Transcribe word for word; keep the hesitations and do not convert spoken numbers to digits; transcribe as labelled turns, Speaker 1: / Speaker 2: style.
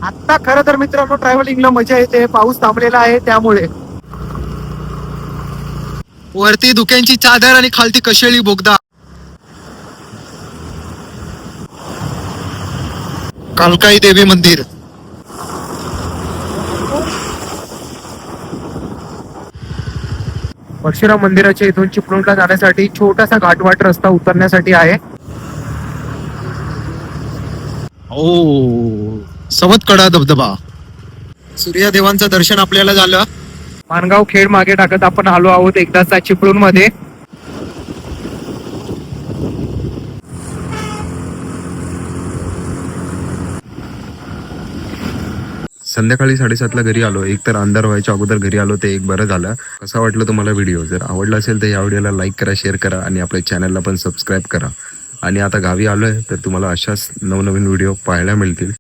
Speaker 1: आता खरं तर मित्रांनो ट्रॅव्हलिंगला मजा येते, पाऊस थांबलेला आहे त्यामुळे. वरती धुक्यांची चादर आणि खालती कशेळी बोगदा. कालकाई देवी मंदिर. परशुराम मंदिराच्या इथून चिपळूणला जाण्यासाठी छोटासा घाटवाट रस्ता उतरण्यासाठी आहे. ओ सवतकडा धबधबा. सूर्यदेवांचं दर्शन आपल्याला झालं. माणगाव खेड मागे टाकत आपण आलो आहोत एकदाचा चिपळूण मध्ये. संध्याकाळी साडेसातला घरी आलो. एक तर अंधार व्हायच्या अगोदर घरी आलो, ते एक बरं झालं. कसा वाटलं तुम्हाला व्हिडिओ? जर आवडला असेल तर या व्हिडिओला लाईक करा, शेअर करा आणि आपल्या चॅनलला पण सबस्क्राईब करा. आणि आता गावी आलोय तर तुम्हाला अशाच नवनवीन व्हिडिओ पाहायला मिळतील.